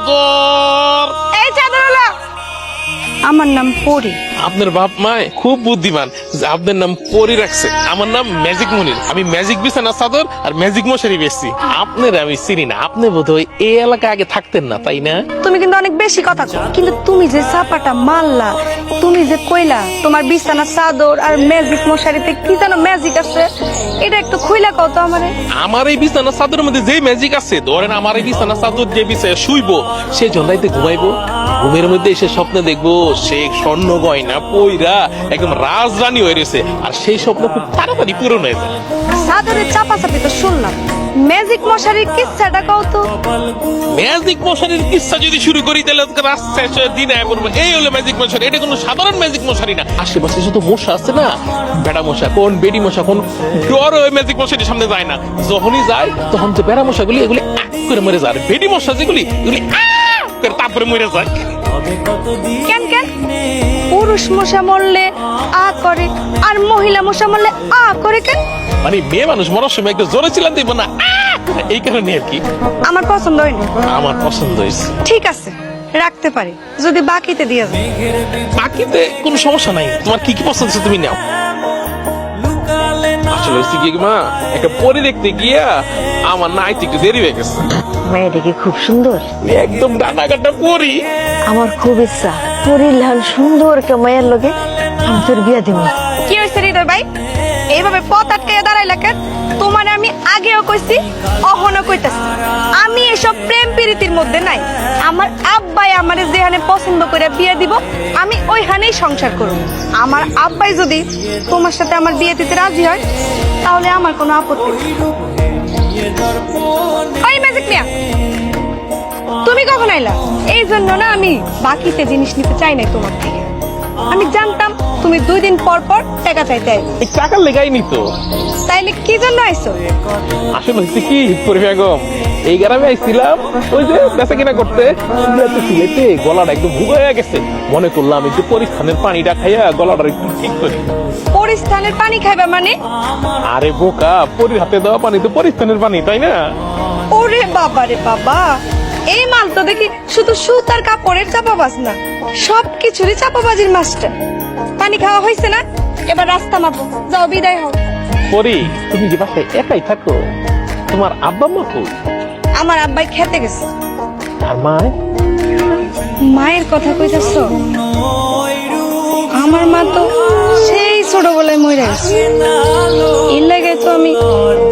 চাদর। এই চাদরওয়ালা, আমার নাম পরি। আপনার বাপ মায় খুব বুদ্ধিমান, আপনার নাম পরি রাখছে। আমার নাম ম্যাজিক মনির। আমি ম্যাজিক বিছানা চাদর আর ম্যাজিক মশারি বেচছি। আপনার আমি চিনি না, আপনি বোধহয় এই এলাকা আগে থাকতেন না, তাই না? তুমি কিন্তু অনেক বেশি কথা কও। কিন্তু তুমি যে চাপাটা মারলা, তুমি যে কইলা তোমার বিছানা চাদর আর ম্যাজিক মশারিতে কি যেন ম্যাজিক আছে, এটা একটু খুইলা কও তো আমারে। আমার এই বিছানা চাদরের মধ্যে যে ম্যাজিক আছে, ধরেন আমার এই বিছানা চাদর যে বিছায় শুইবো, সে জন্দাইতে ঘুমাইবো, ঘুমের মধ্যে এসে স্বপ্নে দেখবো সে স্বর্ণ গয়না পইরা একদম রাজরানী হয়ে রয়েছে, আর সেই স্বপ্ন খুব তাড়াতাড়ি পূরণ হয়ে যায়। চাদরের চাপাচাপি তো শুনলাম, ম্যাজিক মশারির কিচ্ছাটা কও তো। ম্যাজিক মশারির কিস্সা যদি শুরু করি তাহলে রাস্তা দিন আয় পড়বো। এই হলো ম্যাজিক মশারি, এটা কোনো সাধারণ ম্যাজিক মশারি না। আশেপাশে শুধু মশা আছে না, বেড়া মশা কোন বেডি মশা কোন, ডর ওই ম্যাজিক মশারির সামনে যায় না। যখনই যায় তখন যে বেড়া মশাগুলি এগুলি করে মরে যায়, আর বেডি মশা যেগুলি এগুলি করে তারপরে মরে যায়। কেন কেন পুরুষ মশা মরলে আ করে আর মহিলা মশা মরলে আ করে কেন? মানে মেয়ে মানুষ মরার সময় একটু জোরে ছিলাম দিব না, এই কারণে আর কি। আমার পছন্দ হয়নি। আমার পছন্দ হয়েছে। ঠিক আছে, রাখতে পারি যদি বাকিতে দিয়ে যায়। বাকিতে কোনো সমস্যা নাই, তোমার কি কি পছন্দ আছে তুমি নাও। আসলে হচ্ছে কি মা, একটা পরি দেখতে গিয়া আমার নাইতে একটু দেরি হয়ে গেছে। মেয়েটা কি খুব সুন্দর? একদম ডানা কাটা পরি। আমার খুব ইচ্ছা পরীর লাল সুন্দর কে মায়ের লগে আমি তোর বিয়া দিব। কি হয়েছে হৃদয় ভাই, এইভাবে পথ আটকে দাঁড়াইলা কেন? তোমার আমি আগেও কইছি, অহনো কইতাছি, আমি এসব প্রেম প্রীতির মধ্যে নাই। আমার আব্বাই আমারে যেখানে পছন্দ করে বিয়ে দিব, আমি ওইখানেই সংসার করব। আমার আব্বাই যদি তোমার সাথে আমার বিয়ে দিতে রাজি হয়, তাহলে আমার কোনো আপত্তি নেই। ওই ম্যাজিক মিয়া, তুমি কখন আইলা? এই জন্য না আমি বাকিতে জিনিস নিতে চাই নাই তোমার থেকে। আমি জানতাম তুমি 2 দিন পর পর টাকা চাইতে আইবে। এই টাকার লেগাই নি তো। তাইলে কি জন্য আইছো? আসলে হচ্ছে কি পরি বেগম, এই গ্রামে আইছিলাম ওই যে বেচা কিনা করতে, সিলেটে গলাটা একদম ভুগে হয়ে গেছে। মনে করলাম একটু পরিস্থানের পানিটা খাইয়া গলাটা একটু ঠিক করি। পরিস্থানের পানি খাইবা মানে? আরে বোকা, পরির হাতে দেওয়া পানি তো পরিস্থানের পানি, তাই না? ওরে বাবা রে বাবা, এই মাল তো দেখি শুধু সুতার কাপড়ের চাপাবাজ না, সবকিছুরই চাপাবাজির মাস্টার। পানি খাওয়া হয়েছে না, এবার রাস্তা মাপো, যাও বিদায় হও। পরি, তুমি যে বাসায় একাই থাকো, তোমার আব্বা মা কই? আমার আব্বাই খেতে গেছে। আর মায়? মায়ের কথা কইতাছ? আমার মা তো সেই ছোটবেলায় মরে গেছে। এর লাগে তো আমি